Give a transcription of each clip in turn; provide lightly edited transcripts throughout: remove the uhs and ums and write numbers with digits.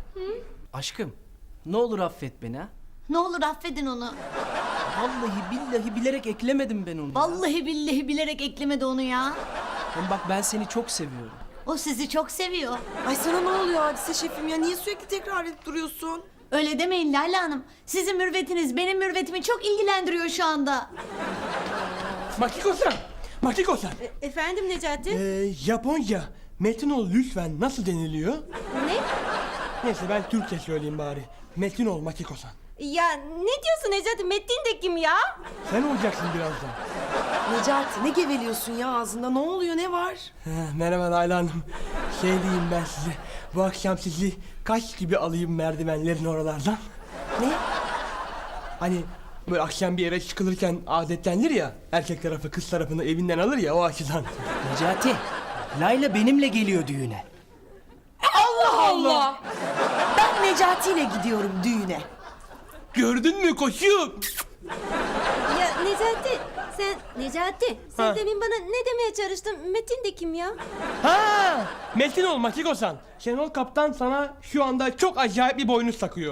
Aşkım, ne olur affet beni ha. Ne olur affedin onu. Vallahi billahi bilerek eklemedim ben onu. ya. Vallahi billahi bilerek eklemedi onu ya. Hem bak ben seni çok seviyorum. O sizi çok seviyor. Ay sana ne oluyor Hadise şefim ya? Niye sürekli tekrar edip duruyorsun? Öyle demeyin Lale Hanım. Sizin mürvetiniz benim mürvetimi çok ilgilendiriyor şu anda. Makiko-san, Makiko-san. Efendim Necati? Japonca metin ol lütfen nasıl deniliyor? Ne? Neyse ben Türkçe söyleyeyim bari. Metin ol Makiko-san. Ya ne diyorsun Necati? Metin de kim ya? Sen olacaksın birazdan. Necati ne geveliyorsun ya ağzında? Ne oluyor ne var? Merhaba Layla Hanım. Şey diyeyim ben size. Bu akşam sizi kaç gibi alayım merdivenlerin oralardan? Ne? Hani böyle akşam bir eve çıkılırken adetlenir ya. Erkek tarafı kız tarafını evinden alır ya o açıdan. Necati, Layla benimle geliyor düğüne. Allah Allah! Ben Necati ile gidiyorum düğüne. Gördün mü koçum? Ya Necati, sen demin bana ne demeye çalıştın? Metin de kim ya? Ha, Metin ol Makiko-san. Şenol Kaptan sana şu anda çok acayip bir boynuz takıyor.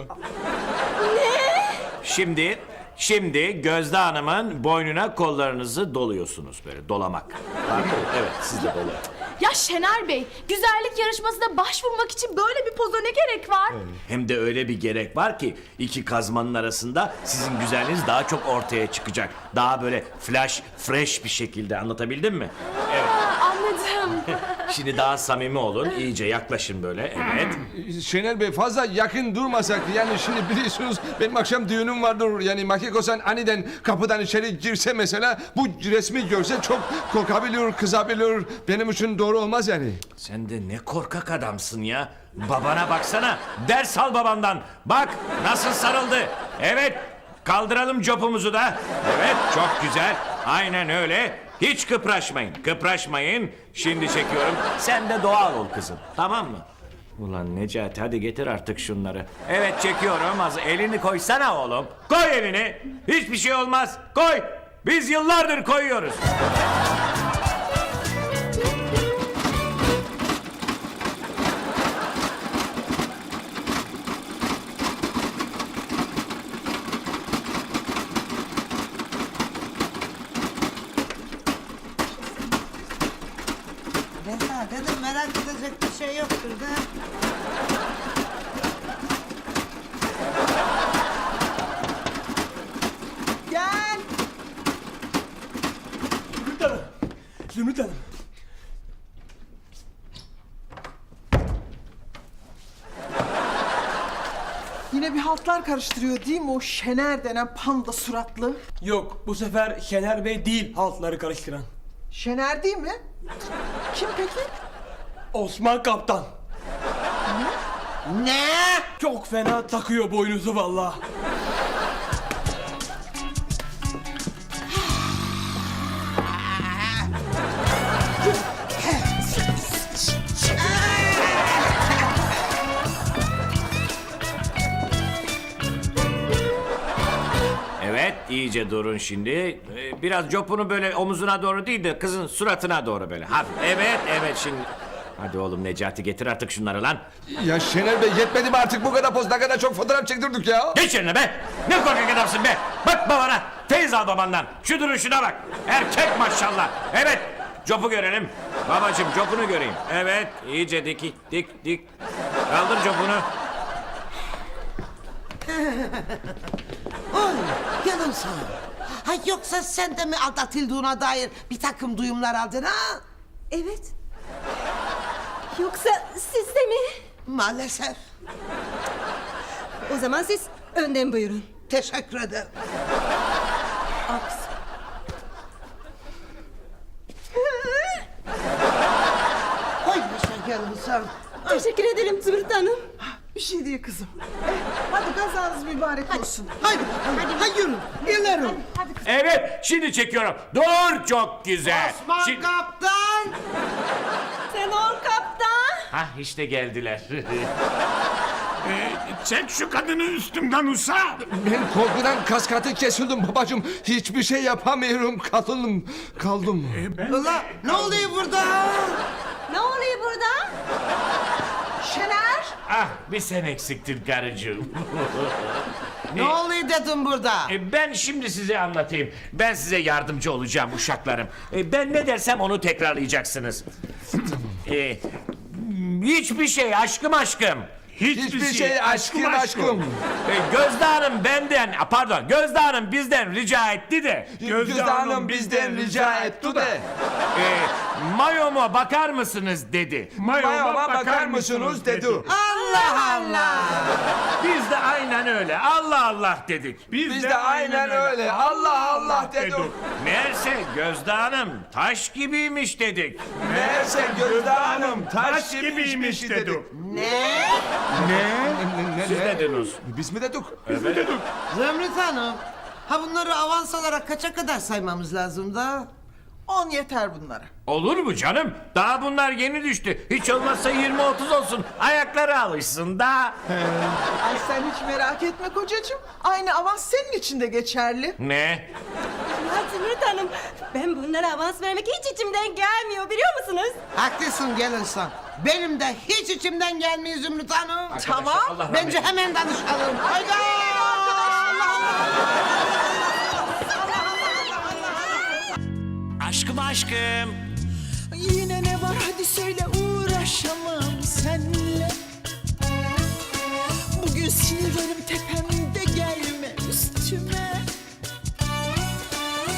Şimdi Gözde Hanım'ın boynuna kollarınızı doluyorsunuz böyle dolamak. Pardon, evet siz de dolayın. Ya Şener Bey, güzellik yarışmasına başvurmak için böyle bir poza ne gerek var? Hem de öyle bir gerek var ki iki kazmanın arasında sizin güzelliğiniz daha çok ortaya çıkacak. Daha böyle fresh bir şekilde anlatabildim mi? Evet. Anladım. Şimdi daha samimi olun, iyice yaklaşın böyle, evet. Şener Bey fazla yakın durmasak yani şimdi biliyorsunuz benim akşam düğünüm vardır yani Makiko-san aniden kapıdan içeri girse mesela bu resmi görse çok korkabilir, kızabilir, benim için doğru olmaz yani. Sen de ne korkak adamsın ya. Babana baksana, ders al babandan. Bak nasıl sarıldı. Evet, kaldıralım copumuzu da. Evet, çok güzel. Aynen öyle. Hiç kıpraşmayın. Şimdi çekiyorum. Sen de doğal ol kızım, tamam mı? Ulan Necati hadi getir artık şunları. Evet çekiyorum. Az elini koysana oğlum. Koy elini. Hiçbir şey olmaz. Koy. Biz yıllardır koyuyoruz. Ben sana dedim merak edecek bir şey yoktur da. Gel. Zümrüt Hanım. Zümrüt Hanım. Yine bir haltlar karıştırıyor değil mi o Şener denen panda suratlı? Yok bu sefer Şener Bey değil haltları karıştıran. Şener değil mi? Kim peki? Osman Kaptan. Ne? Çok fena takıyor boynuzu vallahi. Evet, iyice durun şimdi. Biraz copunu böyle omuzuna doğru değil de kızın suratına doğru böyle. Hafif. Evet şimdi. Hadi oğlum Necati getir artık şunları lan. Ya Şener Bey yetmedi mi artık bu kadar poz ne kadar çok fotoğraf çektirdik ya. Geç yerine be. Ne korkak adamsın be. Bak babana. Feyiz al babandan. Şu duruşuna bak. Erkek maşallah. Evet. Copu görelim. Babacığım copunu göreyim. Evet. iyice dik. Kaldır copunu. Oy canım sağ ol. Ha yoksa sen de mi aldatıldığına dair bir takım duyumlar aldın ha? Evet. Yoksa siz de mi? Maalesef. O zaman siz önden buyurun. Teşekkür ederim. Oy canım sağ ol. Teşekkür ederim Zümrüt Hanım. Bir şey değil kızım. Hadi kazanız mübarek olsun. Haydi bakalım. Hadi yürü. İleri. Evet. Şimdi çekiyorum. Dur çok güzel. Şimdi... Kaptan. Sen ol kaptan. Hah işte geldiler. Çek şu kadını üstümden Usa. Ben korkudan kaskatı kesildim babacığım. Hiçbir şey yapamıyorum kaldım. Ulan ne oluyor burada? Ne oluyor burada? Şener! Ah, bir sen eksiktin karıcığım. Ne oluyor dedim burada? Ben şimdi size anlatayım. Ben size yardımcı olacağım uşaklarım. Ben ne dersem onu tekrarlayacaksınız. Hiçbir şey aşkım. Hiçbir şey aşkım. Gözde Hanım Gözde Hanım bizden rica etti de. Gözde Hanım bizden rica etti de. Mayoma bakar mısınız dedi. Mayoma bakar mısınız dedi. Allah Allah. Biz de aynen öyle. Allah Allah dedik. Biz de aynen öyle. Allah Allah dedik. Meğerse Gözde Hanım taş gibiymiş dedik. Meğerse Gözde Hanım taş gibiymiş dedik. Ne? Siz dediniz. Biz mi dedik? Zümrüt Hanım. Ha bunları avans olarak kaça kadar saymamız lazım da? 10 yeter bunlara. Olur mu canım? Daha bunlar yeni düştü. Hiç olmazsa 20-30 olsun. Ayakları alışsın da. Ay sen hiç merak etme kocacığım. Aynı avans senin için de geçerli. Ne? Ya Zümrüt Hanım, ben bunlara avans vermek hiç içimden gelmiyor biliyor musunuz? Haklısın gelin sen. Benim de hiç içimden gelmiyor Zümrüt Hanım. Tamam. Allah rahmet Bence hemen danışalım. Hayda! Aşkım.